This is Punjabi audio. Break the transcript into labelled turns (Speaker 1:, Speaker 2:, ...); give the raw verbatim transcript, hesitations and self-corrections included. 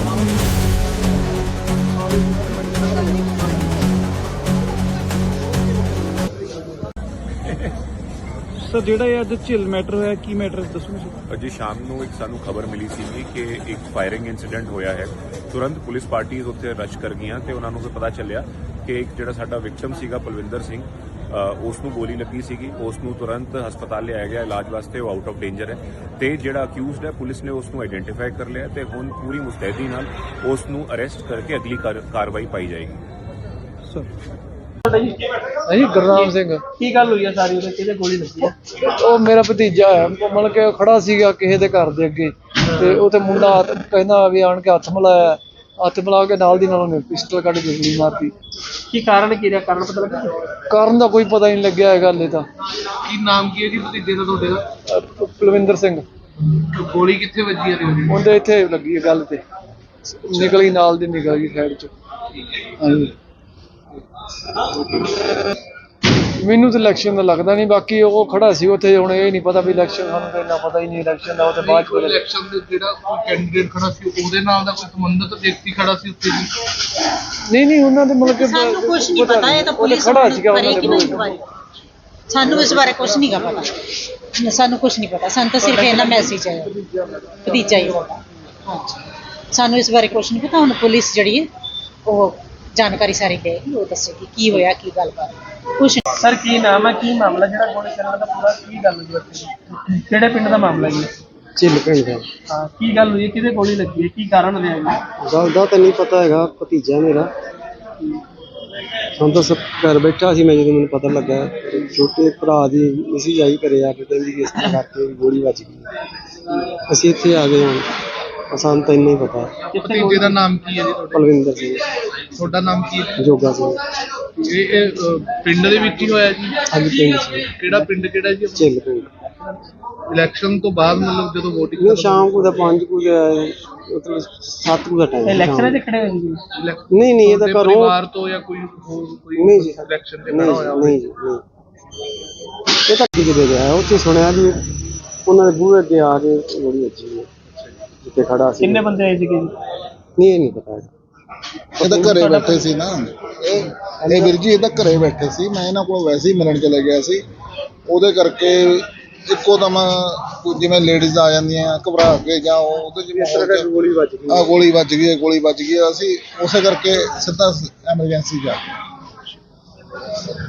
Speaker 1: ਸਰ ਜਿਹੜਾ ਇਹ ਅੱਜ ਝਿਲ ਮੈਟਰ ਹੋਇਆ ਕੀ ਮੈਟਰ ਦੱਸੋ ਸਰ।
Speaker 2: ਅੱਜ ਸ਼ਾਮ ਨੂੰ ਇੱਕ ਸਾਨੂੰ ਖਬਰ ਮਿਲੀ ਸੀ ਕਿ ਇੱਕ ਫਾਇਰਿੰਗ ਇਨਸੀਡੈਂਟ ਹੋਇਆ ਹੈ। ਤੁਰੰਤ ਪੁਲਿਸ ਪਾਰਟੀਆਂ ਉੱਥੇ ਰਸ਼ ਕਰ ਗਈਆਂ ਤੇ ਉਹਨਾਂ ਨੂੰ ਫਿਰ ਪਤਾ ਚੱਲਿਆ ਕਿ ਇੱਕ ਜਿਹੜਾ ਸਾਡਾ ਵਿਕਟਮ ਸੀਗਾ ਪਲਵਿੰਦਰ ਸਿੰਘ, ਉਸ ਨੂੰ ਗੋਲੀ ਲੱਗੀ ਸੀਗੀ। ਉਸ ਨੂੰ ਤੁਰੰਤ ਹਸਪਤਾਲ ਲਿਆਇਆ ਗਿਆ ਇਲਾਜ ਵਾਸਤੇ, ਉਹ ਆਊਟ ਆਫ ਡੇਂਜਰ ਹੈ ਤੇ ਜਿਹੜਾ ਅਕਿਊਜ਼ਡ ਹੈ ਪੁਲਿਸ ਨੇ ਉਸ ਨੂੰ ਆਈਡੈਂਟੀਫਾਈ ਕਰ ਲਿਆ ਤੇ ਹੁਣ ਪੂਰੀ ਮੁਸਤੈਦੀ ਨਾਲ ਉਸ ਨੂੰ ਅਰੈਸਟ ਕਰਕੇ ਅਗਲੀ ਕਾਰਵਾਈ ਪਾਈ ਜਾਏਗੀ।
Speaker 1: ਸਰ
Speaker 3: ਜੀ ਗੁਰਨਾਮ ਸਿੰਘ।
Speaker 4: ਕੀ ਗੱਲ ਹੋਈ ਆ ਸਾਰੀ ਉਹਦੇ ਕਿਹਦੇ ਗੋਲੀ ਲੱਗੀ ਆ?
Speaker 3: ਉਹ ਮੇਰਾ ਭਤੀਜਾ ਹੈ, ਮਤਲਬ ਕਿ ਖੜਾ ਸੀਗਾ ਕਿਸੇ ਦੇ ਘਰ ਦੇ ਅੱਗੇ ਤੇ ਉਹ ਤੇ ਮੁੰਡਾ ਕਹਿੰਦਾ ਵੀ ਆਣ ਕੇ ਹੱਥ ਮਿਲਾਇਆ, ਹੱਥ ਮਿਲਾ ਕੇ ਨਾਲ ਦੀ ਨਾਲ ਉਹਨੇ ਪਿਸਟਲ ਕੱਢ ਕੇ ਗੋਲੀ ਮਾਰਤੀ।
Speaker 4: ਕੀ ਕਾਰਨ ਕੀ ਰਿਹਾ? ਕਾਰਨ ਪਤਾ ਲੱਗਾ?
Speaker 3: ਕਾਰਨ ਦਾ ਕੋਈ ਪਤਾ ਹੀ ਨਹੀਂ ਲੱਗਿਆ ਇਹ ਗੱਲ ਤਾਂ।
Speaker 4: ਕੀ ਨਾਮ ਕੀ ਹੈ ਜੀ ਭਤੀਜੇ ਦਾ ਤੁਹਾਡੇ ਦਾ?
Speaker 3: ਪਲਵਿੰਦਰ ਸਿੰਘ।
Speaker 4: ਗੋਲੀ ਕਿੱਥੇ ਵੱਜੀ ਹੈ ਉਹਦੀ?
Speaker 3: ਉਹਦੇ ਇੱਥੇ ਲੱਗੀ ਹੈ ਗੱਲ ਤੇ, ਨਿਕਲੀ ਨਾਲ ਦੀ ਨਿਕਲ ਗਈ ਸਾਈਡ ਚ। ਹਾਂਜੀ ਮੈਨੂੰ ਤਾਂ ਇਲੈਕਸ਼ਨ ਦਾ ਲੱਗਦਾ ਨਹੀਂ, ਬਾਕੀ ਉਹ ਖੜਾ ਸੀ ਉੱਥੇ। ਹੁਣ ਇਹ ਨਹੀਂ ਪਤਾ ਵੀ ਇਲੈਕਸ਼ਨ, ਸਾਨੂੰ ਤਾਂ ਇੰਨਾ ਪਤਾ ਹੀ ਨਹੀਂ ਇਲੈਕਸ਼ਨ ਦਾ। ਉਹ ਤੇ ਬਾਅਦ ਚ
Speaker 4: ਇਲੈਕਸ਼ਨ ਦੇ ਜਿਹੜਾ ਕੋਈ ਕੈਂਡੀਡੇਟ ਖੜਾ ਸੀ ਉਹਦੇ ਨਾਲ ਦਾ ਕੋਈ ਸੰਬੰਧਿਤ ਵਿਅਕਤੀ ਖੜਾ ਸੀ ਉੱਥੇ ਜੀ?
Speaker 3: ਨਹੀਂ ਨਹੀਂ ਉਹਨਾਂ ਦੇ ਮਤਲਬ ਕਿ
Speaker 5: ਸਾਨੂੰ ਕੁਝ ਨਹੀਂ ਪਤਾ, ਇਹ ਤਾਂ ਪੁਲਿਸ
Speaker 3: ਖੜਾ ਸੀਗਾ ਉਹਨਾਂ
Speaker 5: ਕਰੇਗੀ ਨਾ ਇਨਕੁਆਇਰੀ। ਸਾਨੂੰ ਇਸ ਬਾਰੇ ਕੁਝ ਨਹੀਂ ਪਤਾ, ਸਾਨੂੰ ਕੁਝ ਨਹੀਂ ਪਤਾ। ਸਾਨੂੰ ਤਾਂ ਸਿਰਫ ਇਹਨਾਂ ਮੈਸੇਜ ਆਇਆ ਭਤੀਜਾ ਹੀ ਸਾਡਾ। ਹਾਂਜੀ, ਸਾਨੂੰ ਇਸ ਬਾਰੇ ਕੁਝ ਨਹੀਂ ਪਤਾ। ਹੁਣ ਪੁਲਿਸ ਜਿਹੜੀ ਹੈ ਉਹ ਜਾਣਕਾਰੀ ਸਾਰੀ ਦੇਗੀ, ਉਹ ਦੱਸੇਗੀ ਕੀ ਹੋਇਆ, ਕੀ ਗੱਲਬਾਤ। ਕੁਛ
Speaker 4: ਸਰ ਕੀ ਨਾਮ ਹੈ, ਕੀ ਮਾਮਲਾ ਜਿਹੜਾ ਗੋਲੀ ਚੱਲਣ ਦਾ ਪੂਰਾ ਕੀ ਗੱਲ ਹੋਈ ਉੱਥੇ? ਕਿਹੜੇ ਪਿੰਡ ਦਾ ਮਾਮਲਾ ਜੀ?
Speaker 3: ਝਿੱਲ ਪਿੰਡ ਦਾ।
Speaker 4: ਹਾਂ, ਕੀ ਗੱਲ ਹੋਈ? ਕਿਹਦੇ ਗੋਲੀ ਲੱਗੀ ਹੈ? ਕੀ ਕਾਰਨ ਰਿਹਾ ਜੀ?
Speaker 3: ਗੱਲ ਦਾ ਤਾਂ ਨਹੀਂ ਪਤਾ ਹੈਗਾ, ਭਤੀਜਾ ਮੇਰਾ। ਸਾਨੂੰ ਤਾਂ ਸਭ ਘਰ ਬੈਠਾ ਸੀ ਮੈਂ ਜਦੋਂ ਮੈਨੂੰ ਪਤਾ ਲੱਗਾ। ਛੋਟੇ ਭਰਾ ਦੀ ਮੈਸੇਜ ਆਈ ਘਰੇ ਆ ਕੇ, ਕਹਿੰਦੀ ਇਸ ਤਰ੍ਹਾਂ ਕਰਕੇ ਗੋਲੀ ਵੱਜ ਗਈ। ਅਸੀਂ ਇੱਥੇ ਆ ਗਏ। ਹੁਣ ਸਾਨੂੰ ਤਾਂ ਇੰਨਾ ਹੀ ਪਤਾ।
Speaker 4: ਭਤੀਜੇ ਦਾ ਨਾਮ ਕੀ ਹੈ ਜੀ ਤੁਹਾਡੇ?
Speaker 3: ਪਲਵਿੰਦਰ ਸਿੰਘ।
Speaker 4: ਤੁਹਾਡਾ ਨਾਮ ਕੀ ਹੈ?
Speaker 3: ਜੋਗਾ ਸਿੰਘ।
Speaker 4: ਇਹ ਇਹ, ਅ, ਪਿੰਡ ਦੇ ਵਿੱਚ ਹੀ ਹੋਇਆ ਜੀ?
Speaker 3: ਹਾਂਜੀ ਪਿੰਡ ਸੀ।
Speaker 4: ਕਿਹੜਾ ਪਿੰਡ ਕਿਹੜਾ ਜੀ?
Speaker 3: ਝਿੱਲ ਪਿੰਡ।
Speaker 4: ਇਲੈਕਸ਼ਨ ਤੋਂ ਬਾਅਦ ਮਤਲਬ ਜਦੋਂ ਵੋਟਿੰਗ
Speaker 3: ਨਹੀਂ, ਸ਼ਾਮ ਨੂੰ ਤਾਂ ਪੰਜ ਕੁ ਮਤਲਬ ਸੱਤ ਕੁ ਦਾ ਟਾਈਮ।
Speaker 4: ਇਲੈਕਸ਼ਨ ਦੇ ਖੜੇ ਹੋਏ ਜੀ?
Speaker 3: ਨਹੀਂ ਨਹੀਂ, ਇਹ ਤਾਂ ਘਰੋਂ
Speaker 4: ਪਰਿਵਾਰ ਤੋਂ ਜਾਂ ਕੋਈ ਹੋਰ ਕੋਈ
Speaker 3: ਨਹੀਂ ਜੀ,
Speaker 4: ਇਲੈਕਸ਼ਨ ਦੇ
Speaker 3: ਨਹੀਂ
Speaker 4: ਖੜਾ ਹੋਇਆ?
Speaker 3: ਨਹੀਂ ਜੀ, ਨਹੀਂ। ਇਹ ਤਾਂ ਕਿਤੇ ਗਿਆ ਉੱਥੇ ਸੁਣਿਆ ਵੀ ਉਹਨਾਂ ਦੇ ਬੂਹੇ ਅੱਗੇ ਆ ਕੇ ਗੋਲੀ ਵੱਜੀ ਹੈ ਜਿੱਥੇ ਖੜਾ ਸੀ।
Speaker 4: ਕਿੰਨੇ ਬੰਦੇ ਆਏ ਸੀਗੇ ਜੀ?
Speaker 3: ਨਹੀਂ, ਇਹ ਨਹੀਂ ਪਤਾ।
Speaker 6: ਇਹ ਤਾਂ ਘਰੇ ਬੈਠੇ ਸੀ ਨਾ, ਇਹ ਇਹ ਵੀਰ ਜੀ ਇਹ ਤਾਂ ਘਰੇ ਬੈਠੇ ਸੀ। ਮੈਂ ਇਹਨਾਂ ਕੋਲ ਵੈਸੇ ਹੀ ਮਿਲਣ ਚਲੇ ਗਿਆ ਸੀ, ਉਹਦੇ ਕਰਕੇ ਇੱਕੋ ਦਮ ਜਿਵੇਂ ਲੇਡੀਜ਼ ਆ ਜਾਂਦੀਆਂ ਘਬਰਾ ਕੇ ਜਾਂ ਉਹਦੇ ਜਿਵੇਂ
Speaker 3: ਗੋਲੀ ਵੱਜ ਗਈ।
Speaker 6: ਆ ਗੋਲੀ ਵੱਜ ਗਈ ਹੈ, ਗੋਲੀ ਵੱਜ ਗਈ। ਅਸੀਂ ਉਸੇ ਕਰਕੇ ਸਿੱਧਾ ਐਮਰਜੈਂਸੀ ਜਾ